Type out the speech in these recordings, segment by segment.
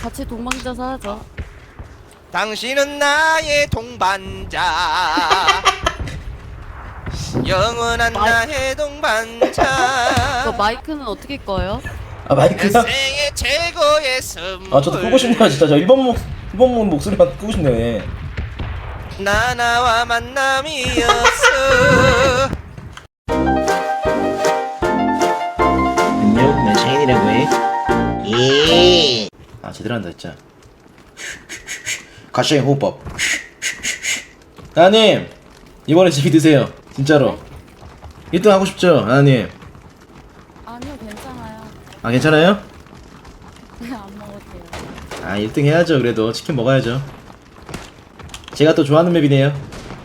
같이 동방자서 하죠. 당신은 나의 동반자. 영원한 나의 동반자. 그 마이크는 어떻게 꺼요? 아 마이크가? 생의 최고의 선물. 아 저도 끄고 싶네요 진짜. 저 1번 목소리만 끄고 싶네요. 예. 나와 만남이었어. 안녕, 난 샤인이라고 해. 예. 아 제대로 한다 진짜. 가시의 호흡법. 나님 이번에 재미 드세요 진짜로. 1등 하고 싶죠 나님? 아니요, 괜찮아요. 아 괜찮아요? 그냥 안 먹어도 돼요. 아 1등 해야죠. 그래도 치킨 먹어야죠. 제가 또 좋아하는 맵이네요.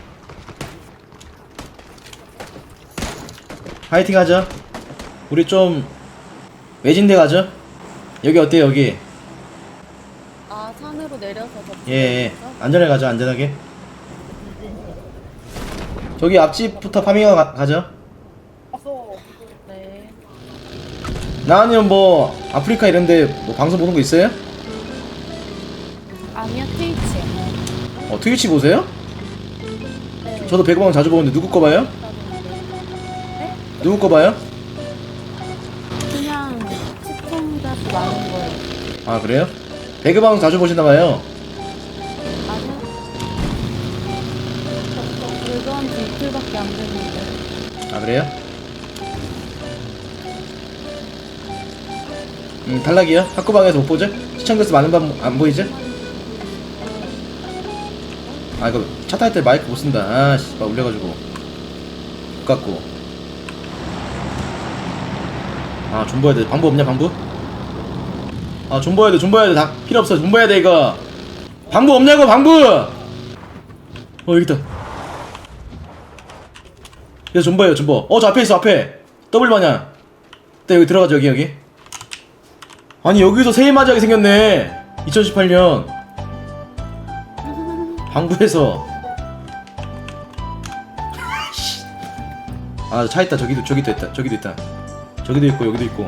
파이팅 하죠. 우리 좀 외진데 가죠. 여기 어때요 여기? 아, 산으로 내려서 더. 예, 안전하게 가죠. 안전하게. 저기 앞집부터 파밍하고 가죠. 네. 나은이는 뭐 아프리카 이런데 뭐 방송 보는 거 있어요? 아니요, 트위치. 트위치 보세요? 네. 저도 배그방 자주 보는데 누구 거 봐요? 네? 누구 거 봐요? 그냥 시청자 수 많은 거예요. 아 그래요? 배그방 자주 보시나봐요. 아니요. 그건 이틀밖에 안 됐는데. 아 그래요? 탈락이요? 학구방에서 못 보죠? 시청자 수 많은 방 안 보이죠? 아 이거 차 탈 때 마이크 못 쓴다. 아씨 막 울려가지고 못 갖고. 아 존버해야 돼. 방법 없냐 방법? 아 존버해야 돼. 존버해야 돼. 다 필요 없어. 존버해야 돼 이거. 방법 없냐고 방법. 여기 있다. 여기 존버해요 존버. 저 앞에 있어 앞에. 더블 마냥. 네 여기 들어가죠 여기. 아니 여기서 새해 맞이하게 생겼네. 2018년 방구에서. 아 차 있다. 저기도 있다. 저기도 있다. 저기도 있고 여기도 있고.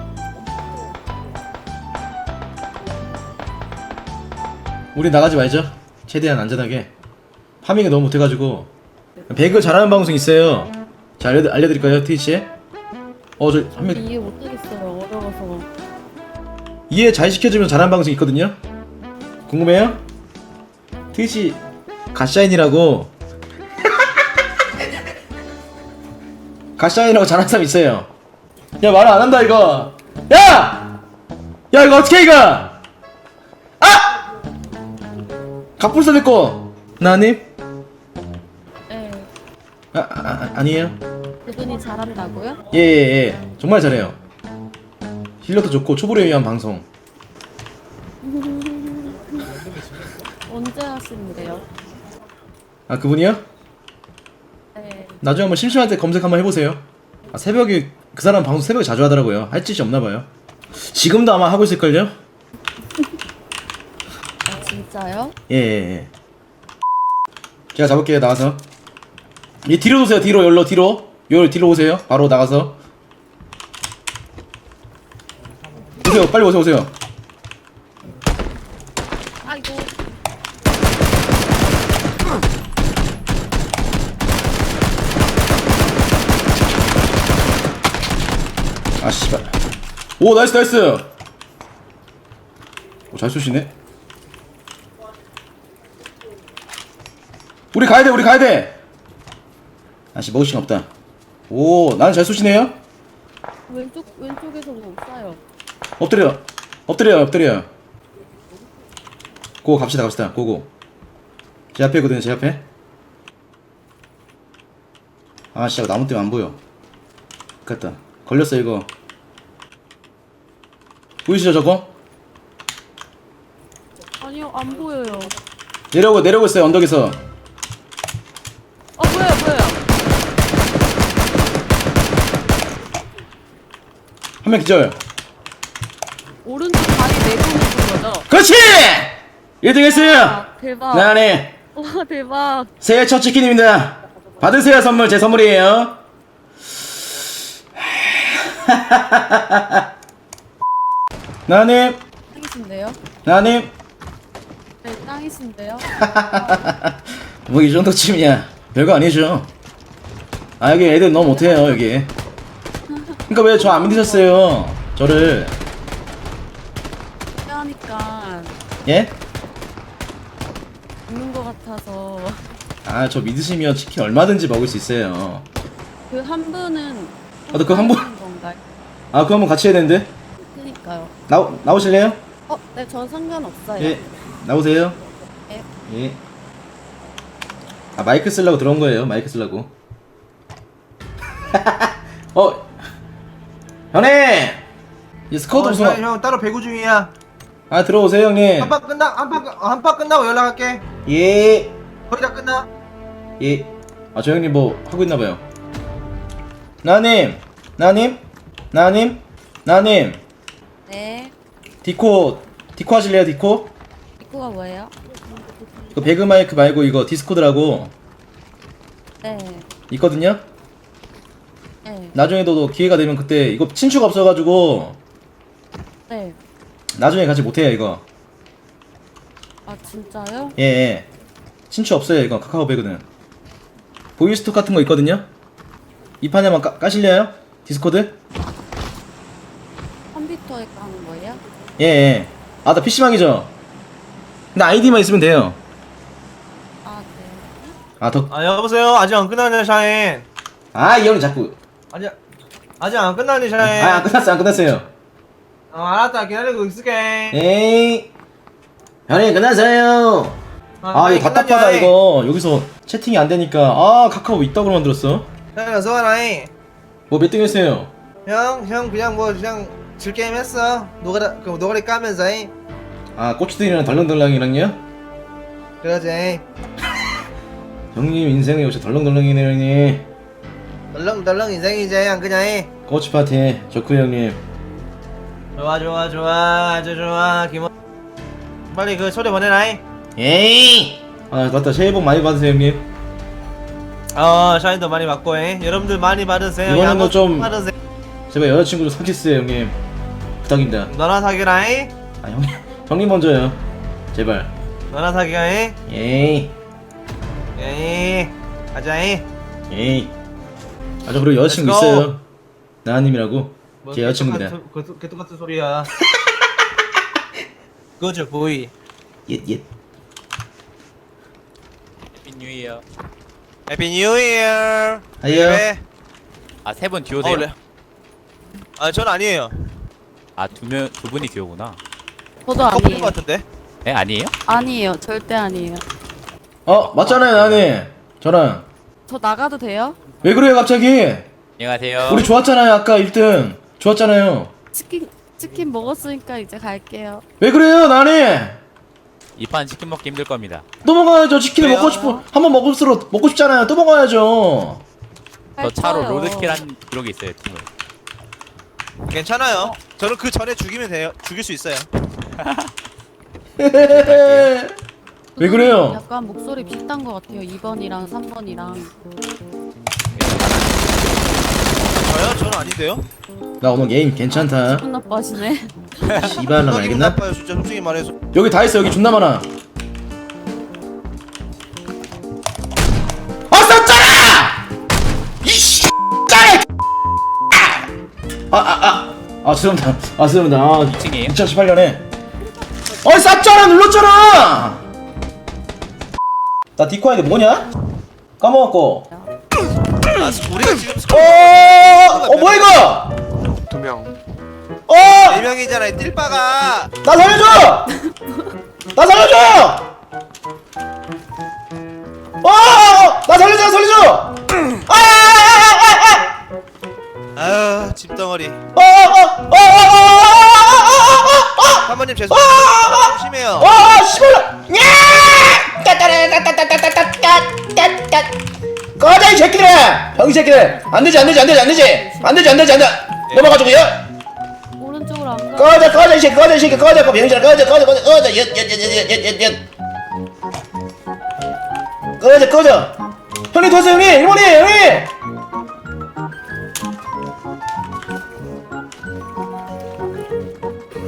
우리 나가지 말죠. 최대한 안전하게. 파밍을 너무 못해가지고. 배그 잘하는 방송 있어요. 자 알려드릴까요 트위치에? 저 한 명 이해 못하겠어요. 어려워서. 이해 잘 시켜주면 잘하는 방송 있거든요. 궁금해요? 트위치 갓샤인이라고. 갓샤인이라고 잘하는 사람 있어요. 야 말 안 한다 이거. 야! 야 이거 어떻게 이거? 아! 갑불사 됐고. 나님? 네. 아니에요. 그분이 잘한다고요? 예. 정말 잘해요. 실력도 좋고 초보를 위한 방송. 언제 하시는데요? 아 그분이요? 네. 나중에 한번 심심할 때 검색 한번 해보세요. 새벽에 그 사람 방송 새벽에 자주 하더라고요. 할 짓이 없나봐요. 지금도 아마 하고 있을걸요? 아, 진짜요? 예. 제가 잡을게요 나가서. 뒤로 오세요. 뒤로 열로 뒤로. 뒤로 오세요. 바로 나가서. 오세요. 빨리 오세요. 아이고. 아 씨발. 오 나이스. 잘 쏘시네. 우리 가야 돼. 아씨 먹을 시간 없다. 오 나는 잘 쏘시네요. 왼쪽에서 뭐 쏴요. 엎드려. 고 갑시다. 고고. 제 앞에거든요. 제 앞에. 아 씨발 나무 때문에 안 보여. 갔다. 걸렸어 이거. 보이시죠 저거? 아니요, 안 보여요. 내려오고 있어요 언덕에서. 보여요. 한 명 기절. 오른쪽 다리 내보내는 거죠? 그렇지! 1등 했어요. 아, 대박. 나네. 와, 대박. 새해 첫 치킨입니다. 받으세요 선물. 제 선물이에요. 나님 땅이신데요? 나님 네, 땅이신데요? 뭐 이 정도쯤이야 별거 아니죠. 아 여기 애들 너무 못해요 여기. 그러니까 왜 저 안 믿으셨어요 저를. 하니까 예? 죽는 것 같아서 아 저 믿으시면 치킨 얼마든지 먹을 수 있어요. 그 한 분은 아, 그 한 분? 하는 건가요? 아 그거 한번 같이 해야 되는데. 그니까요. 나오실래요? 네, 전 상관없어요. 예 나오세요. 예. 예. 아 마이크 쓰려고 들어온 거예요. 마이크 쓰려고. 형님 이 스쿼드 우승. 형 따로 배구 중이야. 아 들어오세요 형님. 한판 끝나고 연락할게. 예. 거의 다 끝나. 예. 아 저 형님 뭐 하고 있나봐요. 나님 네. 디코 하실래요 디코? 입구가 뭐예요? 이거 배그 마이크 말고 이거 디스코드라고 네. 있거든요. 네. 나중에도 기회가 되면 그때 이거 친추가 없어가지고 네. 나중에 같이 못해요 이거. 아, 진짜요? 예. 친추 없어요 이거 카카오 배그는. 보이스톡 같은 거 있거든요. 이 판에만 까실래요? 디스코드? 컴퓨터에 까는 거예요? 예. 아 나 PC방이죠. 근데 아이디만 있으면 돼요. 아, 네. 아 더. 아 여보세요. 아직 안 끝났네 샤인. 아 이 형이 자꾸. 아직 안 끝났네 샤인. 안 끝났어요. 알았다. 기다리고 있을게. 에이. 형님 끝났어요. 아 이거 답답하다 이거. 여기서 채팅이 안 되니까. 아 카카오 이따구로 만들었어. 형 어서 와라잉. 뭐 몇 등 했어요? 형 그냥 뭐 그냥 즐게임 했어. 노가리 까면서잉. 아 꼬치들이랑 덜렁덜렁이랑요? 그러지. 형님 인생이 역시 덜렁덜렁이네요 형님. 덜렁덜렁 인생이지 형 그냥. 꼬치 파티 좋고 형님. 좋아 아주 좋아. 빨리 그 초대 보내라잉. 에이. 아 맞다 새해 복 많이 받으세요 형님. 샤인도 많이 받고 여러분들 많이 받으세요. 이번에는 양도 좀- 받으세요. 제발 여자친구 좀 사귀세요 형님. 부탁입니다. 너나 사귀라잉. 아 형님 먼저요. 제발. 너나 사귀라잉. 에이. 에이 가자잉. 에이. 아 저 그리고 여자친구 Let's go. 있어요. 나은님이라고. 뭐 제 여자친구입니다. 개똑같은 소리야. 그죠 보이. 예. 해피 뉴 이어. 해피 뉴 이어. 아이요. 아, 세 분 듀오세요? 아, 전 아니에요. 아, 두 분이 듀오구나. 저도 커플인 아니에요. 것 같은데? 에, 아니에요? 아니에요. 절대 아니에요. 맞잖아요 나은님. 저랑. 저 나가도 돼요? 왜 그래요 갑자기? 안녕하세요. 우리 좋았잖아요 아까 1등. 좋았잖아요. 치킨 먹었으니까 이제 갈게요. 왜 그래요 나은님? 이 판 치킨 먹기 힘들 겁니다. 또 먹어야죠. 치킨을 왜요? 먹고 싶어. 한번 먹을수록 먹고 싶잖아요. 또 먹어야죠. 저 차로 할 거예요. 로드킬한 기록이 있어요, 팀을. 괜찮아요. 저는 그 전에 죽이면 돼요. 죽일 수 있어요. 왜 그래요? 약간 목소리 비슷한 것 같아요. 2번이랑 3번이랑. 저요? 저는 아닌데요? 나 오늘 게임 괜찮다. 기분 나빠하시네. 씨발라 기분 알겠나? 나빠요. 진짜 솔직히 말해서. 여기 다 있어. 여기 존나 많아. 쌌잖아! 이씨 짜리! 죄송합니다. 죄송합니다. 2층이에요? 2018년에. 쌌잖아! 눌렀잖아! 나 디코아이드 뭐냐? 까먹었고. 아, 우리가 지금 뭐야 이거? 2명. 4명이잖아요. 띨빠가. 나 살려줘! 나 살려줘! 나 살려줘! 아유, 집덩어리. 사모님 죄송해요. 좀 심해요. 씨발라! 꺼져 이 새끼들아! 병이 새끼들! 안 되지! 넘어가지고 야! 오른쪽으로 안 가. 꺼져 이 새끼 꺼져 병신아 꺼져 꺼져 형님 도와주세요 형님 일본이 형님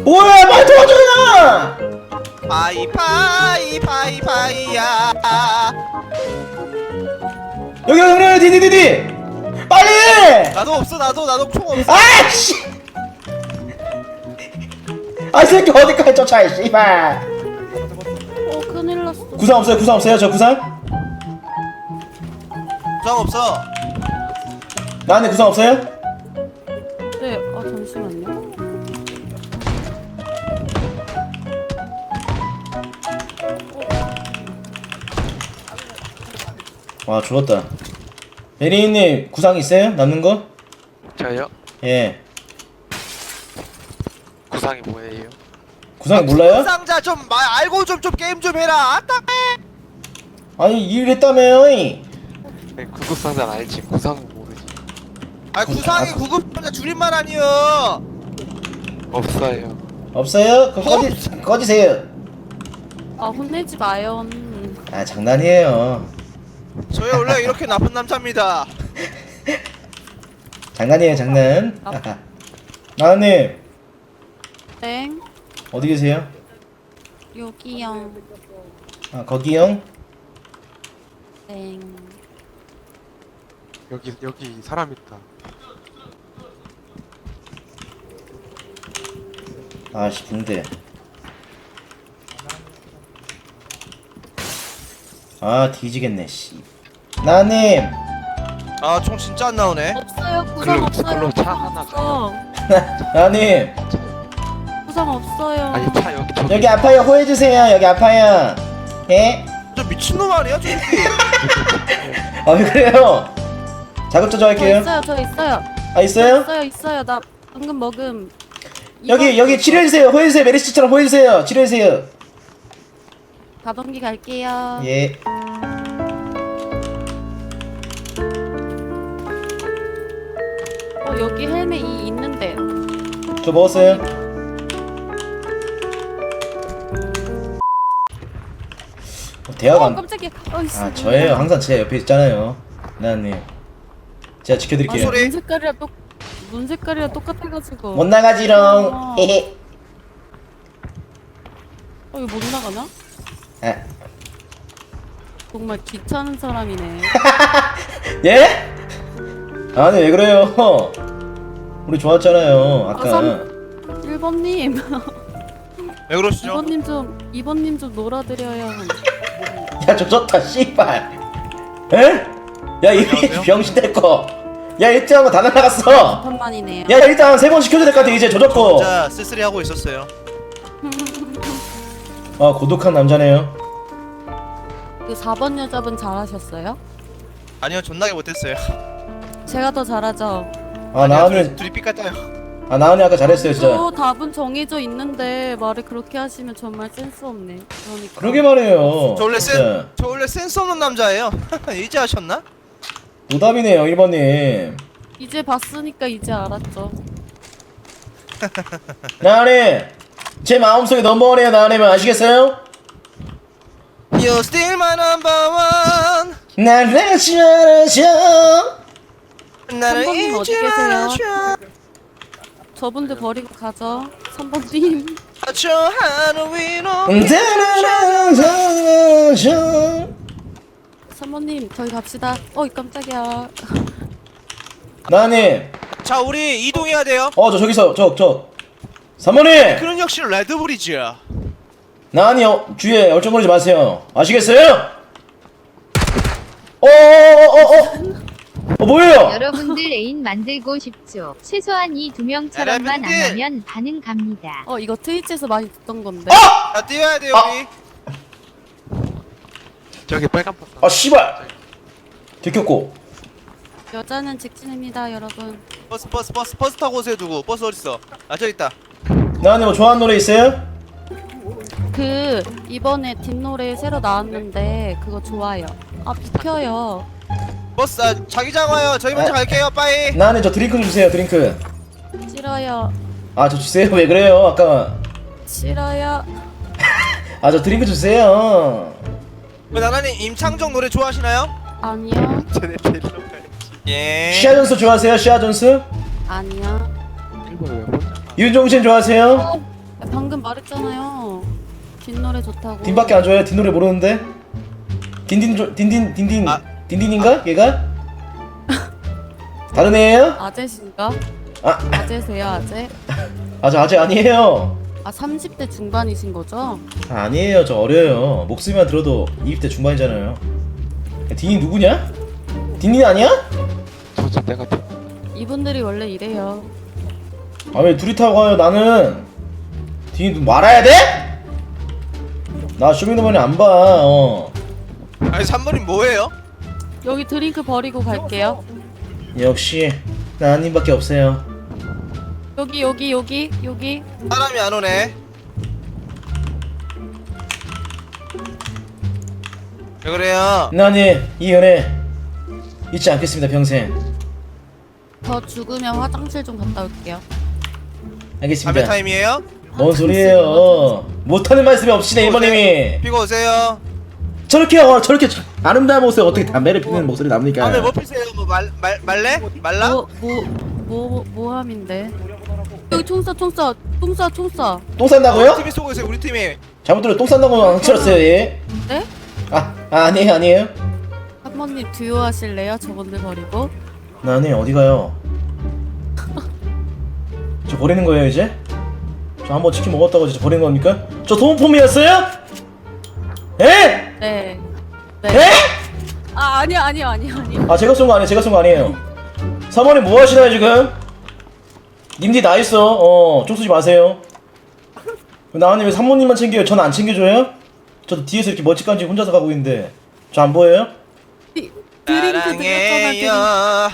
뭐야 빨리 도와줘야. 파이야. 여기 디디디디 빨리. 나도 없어 나도 총 없어. 아씨. 아 이 새끼 어디까지 쫓아 이 씨발. 큰일 났어. 구상 없어요 저 구상? 총 없어. 나한테 구상 없어요? 네, 잠시만요. 와 죽었다. 베리님 구상 있어요? 남는 거? 저요? 예. 구상이 뭐예요? 구상 몰라요? 상자 좀 알고 좀 게임 좀 해라. 아따. 아니 이랬다며요. 네, 구급상자는 알지 구상은 모르지. 구상이 구급 상자 줄임말 아니여. 없어요. 없어요? 그럼 꺼지세요. 혼내지 마요. 아 장난이에요. 저희 원래 이렇게 나쁜 남자입니다. 장난이에요 장난. 나은님 땡. 어디 계세요? 여기요. 아 거기요? 땡. 여기 사람 있다. 아씨 붕대. 아 뒤지겠네 씨. 나은님 총 진짜 안 나오네. 없어요. 구상 없어요. 그걸로 차 구상 하나 없어. 나은님 구상 없어요. 아니 차 여기 저기. 여기 아파요 호해주세요. 여기 아파요. 예? 저 미친놈 아니야 저 새끼. 아 왜 그래요? 자급자족 저 할게요. 있어요. 저 있어요. 아 있어요? 있어요. 나 방금 먹음. 여기 치료해주세요. 호해주세요. 메리씨처럼 호해주세요. 치료해주세요. 가동기 갈게요. 예. 여기 헬멧 있는데. 저 먹었어요. 대화가 안. 깜짝이야. 아 저예요. 항상 제 옆에 있잖아요. 나은님. 제가 지켜드릴게요. 소리. 눈 색깔이랑 똑같아가지고. 못 나가지롱. 헤헤. 이거 못 나가나? 아. 정말 귀찮은 사람이네. 예? 아니 왜 그래요? 우리 좋았잖아요. 아까. 1번님. 왜 그러시죠? 2번님 좀 놀아드려요. 야 조졌다 씨발. 에? 야 이 안녕하세요? 병신 될거. 야 1등한 거 다 날라갔어. 한만이네요. 야 일단 3번 시켜줘야 될 것 같아. 이제 조졌고. 진짜 쓸쓸히 하고 있었어요. 아 고독한 남자네요. 그 4번 여자분 잘하셨어요? 아니요 존나게 못했어요. 제가 더 잘하죠. 아 나은이 둘이 삐까요. 아 나은이 아까 잘했어요 진짜. 저 답은 정해져 있는데 말을 그렇게 하시면 정말 센스 없네. 그러니까. 그러게 말해요. 저 원래 진짜. 저 원래 센스 없는 남자예요. 이제 아셨나? 노답이네요 1번님. 이제 봤으니까 이제 알았죠. 나은이 제 마음속에 넘버원이에요. 나은이면 아시겠어요? You still my number one. 날 잊지 말아줘. 나를 선생님 어디 잊지 계세요? 말아줘. 저분들 버리고 가죠. 3번님. 저 하늘 위로. 따라라라라라. 3번님 저희 갑시다. 깜짝이야. 나은이 자 우리 이동해야 돼요. 저 저기서 저 3번님 그런 역시 레드불이죠. 나은이 주위에 얼쩡거리지 마세요. 아시겠어요? 뭐예요? 여러분들 애인 만들고 싶죠? 최소한 이 두 명처럼만 안 여러분들! 하면 반응 갑니다. 이거 트위치에서 많이 듣던 건데. 자 뛰어야 돼요 우리. 저기 빨간 버스. 아 씨발 들켰고. 여자는 직진입니다, 여러분. 버스 타고 오세요. 누구? 버스 어딨어? 저 있다. 나은이 뭐 좋아하는 노래 있어요? 이번에 뒷노래 새로 나왔는데 그거 좋아요. 비켜요. 버스 자기장 와요. 저희 먼저 갈게요. 빠이. 나은이 저 드링크 좀 주세요. 드링크. 싫어요. 아 저 주세요. 왜 그래요? 아까 싫어요. 아 저 드링크 주세요. 나나님 임창정 노래 좋아하시나요? 아니요. 쟤네 데리러 가야지. 예. 시아 존스 좋아하세요? 시아 존스? 아니요. 일본에 왜 혼자? 윤종신 좋아하세요? 방금 말했잖아요. 뒷노래 좋다고. 딘밖에 안 줘요? 딘 노래 모르는데? 딘딘 아. 딘딘인가? 얘가? 다른 애예요? 아재신가? 아. 아재세요, 아재? 아, 저 아직 아니에요. 아, 30대 중반이신 거죠? 아, 아니에요. 저 어려요. 목소리만 들어도 20대 중반이잖아요. 딘이 누구냐? 딘이 아니야? 저저 내가 이분들이 원래 이래요. 아, 왜 둘이 타고 가요? 나는 딘이 말아야 돼? 나 쇼미더머니 안 봐. 아니 3번이 뭐예요? 여기 드링크 버리고 갈게요. 역시 나님밖에 없어요. 여기. 사람이 안 오네. 왜 그래요? 나님 이 연애 잊지 않겠습니다 평생. 저 죽으면 화장실 좀 갔다 올게요. 담배 알겠습니다. 타임이에요? 뭔 소리예요? 못하는 말씀이 없으시네 이모님이. 피고 오세요. 저렇게 아름다운 모습에 어떻게 담배를 피우는 목소리 나옵니까? 담배 뭐 피세요? 뭐 말래? 말라? 모함인데. 여기 총 쏴. 똥 싼다고요? 우리 팀이 쏘고 있어요. 우리 팀이. 잘못 들어 똥 싼다고 안 치렀어요 얘. 네? 아니에요. 한번님 듀오 하실래요? 저분들 버리고. 나님 어디 가요? 저 버리는 거예요 이제? 저 한번 치킨 먹었다고 진짜 버리는 겁니까? 저 소모품이었어요? 에? 네. 에? 아, 아니요. 아 제가 쏜 거 아니에요. 사모님 뭐 하시나요 지금? 님들 나 있어. 쪽 쏘지 마세요. 나은님 왜 사모님만 챙겨요? 전 안 챙겨줘요? 저도 뒤에서 이렇게 멋지간지 혼자서 가고 있는데 저 안 보여요? 드링크 드렸잖아.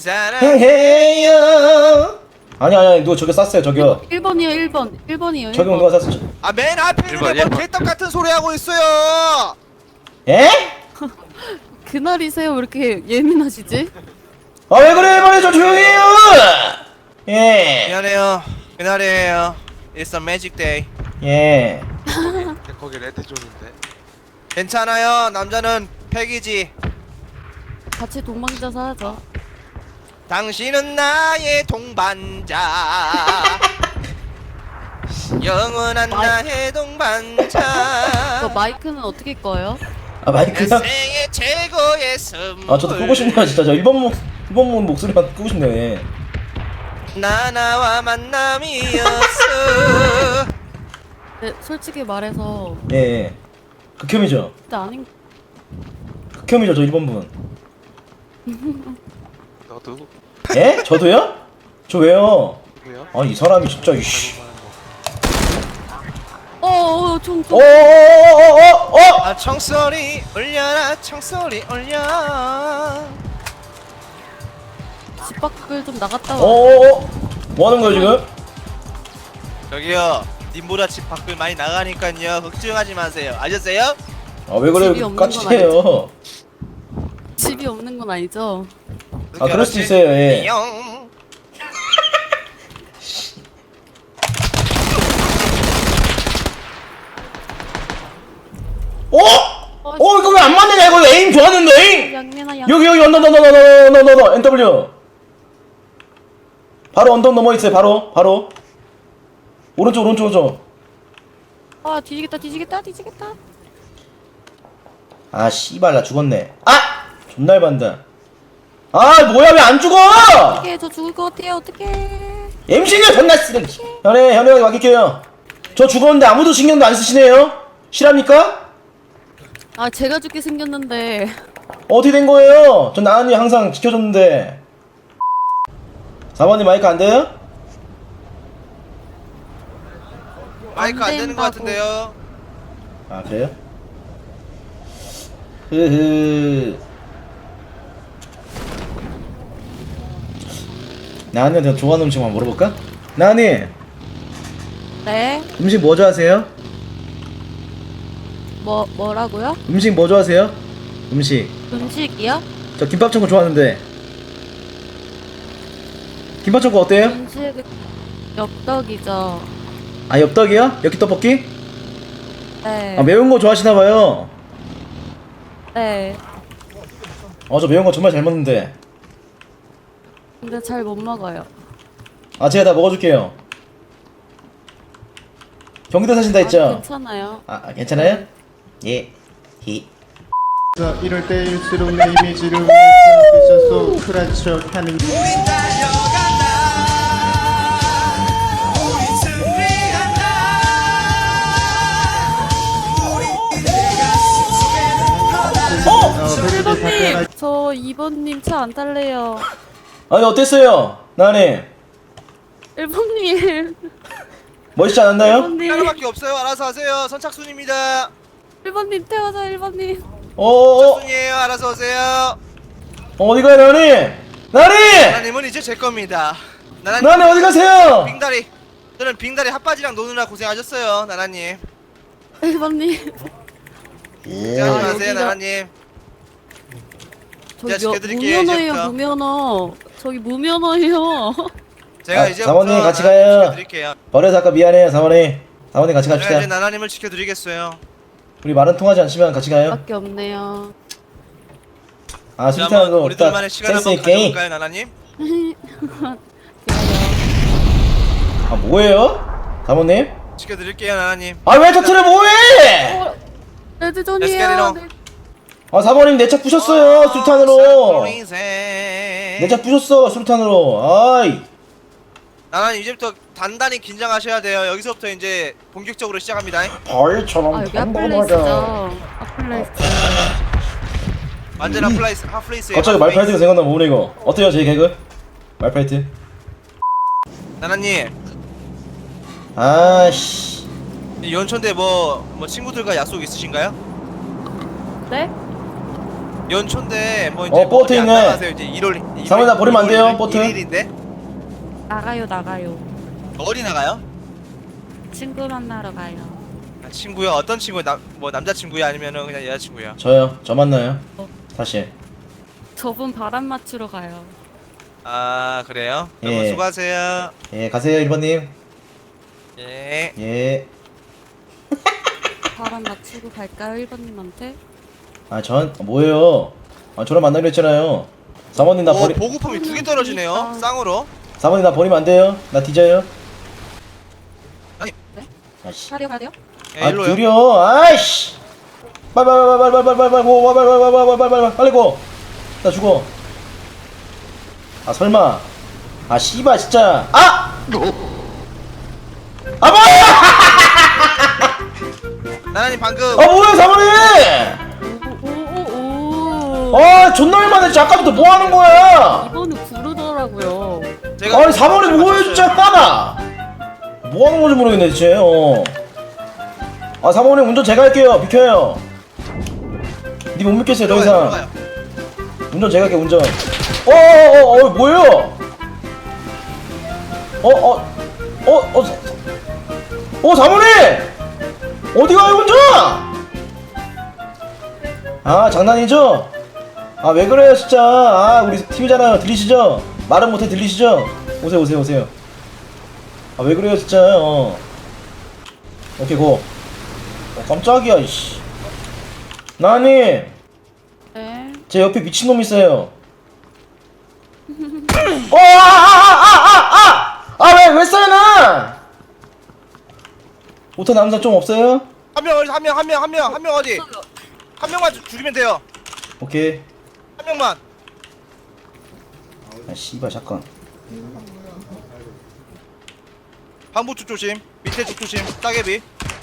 사랑해요. 아니 누가 저기 쐈어요 저기요. 1번이요. 저기 누가 쐈어? 아 맨 앞에 있는 일번, 게뭐 일번. 개떡 같은 소리 하고 있어요. 에? 그날이세요? 왜 이렇게 예민하시지? 아 왜 그래 말해 저 조용해요. 예. 미안해요. 그날이에요. It's a magic day. 예. 거기 레드존인데. 괜찮아요. 남자는 팩이지. 같이 동방자 사야죠. 당신은 나의 동반자. 영원한 나의 동반자. 그 마이크는 어떻게 꺼요? 아 마이크야? 인생의 최고의 선물. 아 저도 끄고 싶네요 진짜. 저 1번 목소리만 끄고 싶네요. 예. 나와 만남이었어. 네, 솔직히 말해서 예. 극혐이죠. 그때 아닌 극혐이죠 저 1번 분. 너도 예? 저도요? 저 왜요? 왜요? 아 이 사람이 진짜 이씨. 총. 어어어어어어! 아 청소리 울려라 청소리 울려. 집 밖을 좀 나갔다 와. 어어어! 뭐 하는 거예요 지금? 저기요 님보다 집 밖을 많이 나가니까요 걱정하지 마세요. 아셨어요? 아 왜 그래 집이 없는 건 까칠해요. 집이 없는 건 아니죠? 아 그럴 수도 있어요. 예. 영. 이거 왜 안 맞느냐 이거 에임 좋았는데. 양면아 여기 언더 너 NW. 바로 언덕 넘어 있어요. 바로 오른쪽. 아 뒤지겠다. 아 씨발 나 죽었네. 아 존나 해반다. 아 뭐야 왜 안 죽어? 어떡해 저 죽을 것 같아요. 어떡해. MC가 존나 쓰레. 현우형이 맡길게요. 저 죽었는데 아무도 신경도 안 쓰시네요. 실합니까? 아 제가 죽게 생겼는데. 어떻게 된 거예요? 전 나은이 항상 지켜줬는데. 4번님 마이크 안 돼요? 마이크 안 되는 것 된다고. 같은데요. 아 그래요? 흐흐. 나은이한테 좋아하는 음식 한번 물어볼까? 나은이 네? 음식 뭐 좋아하세요? 뭐라고요? 음식 뭐 좋아하세요? 음식 음식이요? 저 김밥천국 좋아하는데. 김밥천국 어때요? 음식 엽떡이죠. 아 엽떡이요? 엽기떡볶이? 네. 아 매운 거 좋아하시나봐요. 네. 저 매운 거 정말 잘 먹는데. 근데 잘 못 먹어요. 아 제가 다 먹어줄게요. 경기도 사신다 했죠? 괜찮아요. 괜찮아요? 예. 히. 자, 이럴 때일수록 내 이미지를 위해서 크라쳐 하는 저 2번님 차 안 탈래요. 아니 어땠어요? 나님 1번님. 멋있지 않았나요? 1번님. 하나밖에 없어요. 알아서 하세요. 선착순입니다. 1번님 태워줘 1번님. 선착순이에요. 알아서 오세요. 어디가요 나님? 나님! 나나님은 이제 제 겁니다. 나님 어디 가세요? 빙다리. 저는 빙다리 핫바지랑 노느라 고생하셨어요. 나나님. 1번님. 고생하지 마세요. 여기가- 나나님. 제가 저기 지켜드릴게요, 무면허예요 이제부터. 무면허. 저기 무면허예요. 제가 아, 이제부터 사모님 같이 나나님 가요. 지켜드릴게요. 버려서 아까 미안해요 사모님. 사모님 같이 제가 갑시다. 이제 나나님을 지켜드리겠어요. 우리 말은 통하지 않지만 같이 가요. 밖에 없네요. 아 이제 술탄 한번 거 우리 딱 둘만의 시간 센스 한번 있게. 가져볼까요, 나나님? 아 뭐예요? 사모님? 지켜드릴게요, 나나님. 아 왜 터트려 뭐해? 레드존이에요. 아 사모님 내 차 부셨어요 술탄으로. 내 내 차 부셨어 술탄으로. 아이. 나나님 이제부터 단단히 긴장하셔야 돼요. 여기서부터 이제 본격적으로 시작합니다. 벌처럼 아 여기 핫플레이스죠. 핫플레이스. 완전 핫플레이스에요. 갑자기 말파이트가 생각나면 뭐네 이거. 어때요 제 개그? 말파이트. 나나님 아씨. 이 연초인데 뭐 친구들과 약속 있으신가요? 네? 연초인데 뭐 이제 보트 어디 안 있네. 나가세요? 이제 1월 사모님 나 버리면 안 돼요, 보트. 1일인데 나가요. 어디 나가요? 친구 만나러 가요. 아, 친구요? 어떤 친구? 뭐 남자친구야 아니면은 그냥 여자친구야? 저요. 저 만나요. 다시. 저분 바람 맞추러 가요. 아 그래요? 예. 여러분 수고하세요. 예 가세요 1번님. 예. 예. 바람 맞추고 갈까요 1번님한테? 전 뭐예요? 저랑 만나기로 했잖아요. 사모님 나 버리. 보급품이 2개 떨어지네요. 그러니까. 쌍으로. 사모님 나 버리면 안 돼요. 나 뒤져요. 아니. 아씨. 가려? 예, 일로요. 느려. 아이씨. 빨리 고. 나 죽어. 아 설마. 아 씨발 진짜. 아 뭐야? 나나님 방금 뭐야 사모님? 오오오. 존나 얼마나 진짜 아까부터 뭐 하는 거야? 이번은 부르더라고요. 제가 아니 사모님 뭐해 진짜 따나? 뭐 하는 건지 모르겠네 진짜. 사모님 운전 제가 할게요. 비켜요. 니 못 믿겠어요 더 이상. 들어가요. 운전 제가 할게 운전. 뭐예요? 사모님! 어디 가요 운전? 장난이죠? 왜 그래요 진짜. 우리 팀이잖아요. 들리시죠? 말은 못해 들리시죠? 오세요. 왜 그래요 진짜. 오케이 고. 깜짝이야 이씨. 나님 네. 제 옆에 미친놈 있어요. 왜 써요 나? 오타 남자 좀 없어요? 한 명 어디? 한 명만 죽이면 돼요. 오케이. 한 명만. 씨발 잠깐. 방부 쪽 조심. 밑에 쪽 조심. 따개비.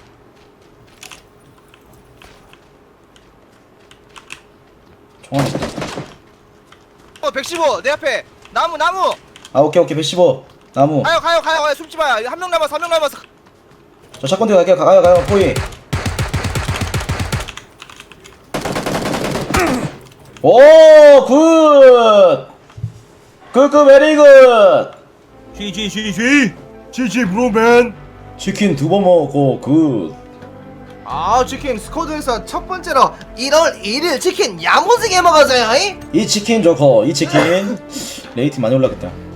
115. 내 앞에. 나무. 오케이 115 나무. 가요. 숨지 마요. 한 명 남았어. 저 샷건 들고 갈게요. 가요 포이. 오 굿. 베리 굿. GG 브로맨. 치킨 2번 먹고 굿. 치킨 스쿼드에서 첫 번째로 1월 1일 치킨 야무지게 먹었어요. 이 치킨 좋고 이 치킨 레이팅 많이 올라갔다.